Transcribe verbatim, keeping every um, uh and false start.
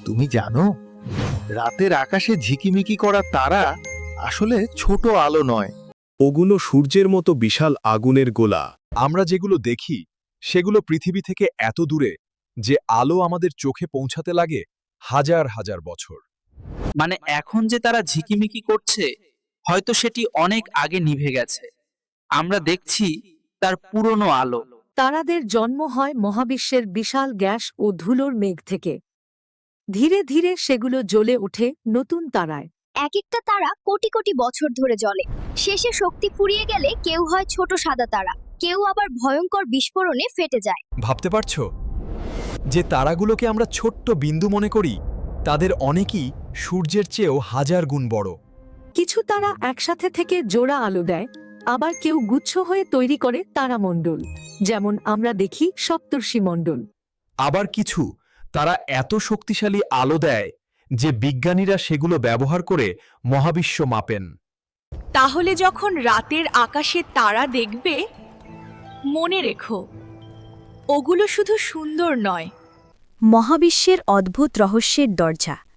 তুমি জানো, রাতের আকাশে ঝিকিমিকি করা তারা আসলে ছোট আলো নয়। ওগুলো সূর্যের মতো বিশাল আগুনের গোলা। আমরা যেগুলো দেখি সেগুলো পৃথিবী থেকে এত দূরে যে আলো আমাদের চোখে পৌঁছাতে লাগে হাজার হাজার বছর। মানে এখন যে তারা ঝিকিমিকি করছে, হয়তো সেটি অনেক আগে নিভে গেছে। আমরা দেখছি তার পুরনো আলো। তারাদের জন্ম হয় মহাবিশ্বের বিশাল গ্যাস ও ধুলোর মেঘ থেকে। ধীরে ধীরে সেগুলো জ্বলে ওঠে নতুন তারায়। এক একটা তারা কোটি কোটি বছর ধরে জ্বলে। শেষে শক্তি ফুরিয়ে গেলে কেউ হয় ছোট সাদা তারা, কেউ আবার ভয়ঙ্কর বিস্ফোরণে ফেটে যায়। ভাবতে পারছো যে তারাগুলোকে আমরা ছোট্ট বিন্দু মনে করি, তাদের অনেকই সূর্যের চেয়েও হাজার গুণ বড়। কিছু তারা একসাথে থেকে জোড়া আলো দেয়, আবার কেউ গুচ্ছ হয়ে তৈরি করে তারামণ্ডল, যেমন আমরা দেখি সপ্তর্ষি মণ্ডল। আবার কিছু তারা এত শক্তিশালী আলো দেয় যে বিজ্ঞানীরা সেগুলো ব্যবহার করে মহাবিশ্ব মাপেন। তাহলে যখন রাতের আকাশে তারা দেখবে, মনে রেখো, ওগুলো শুধু সুন্দর নয়, মহাবিশ্বের অদ্ভুত রহস্যের দরজা।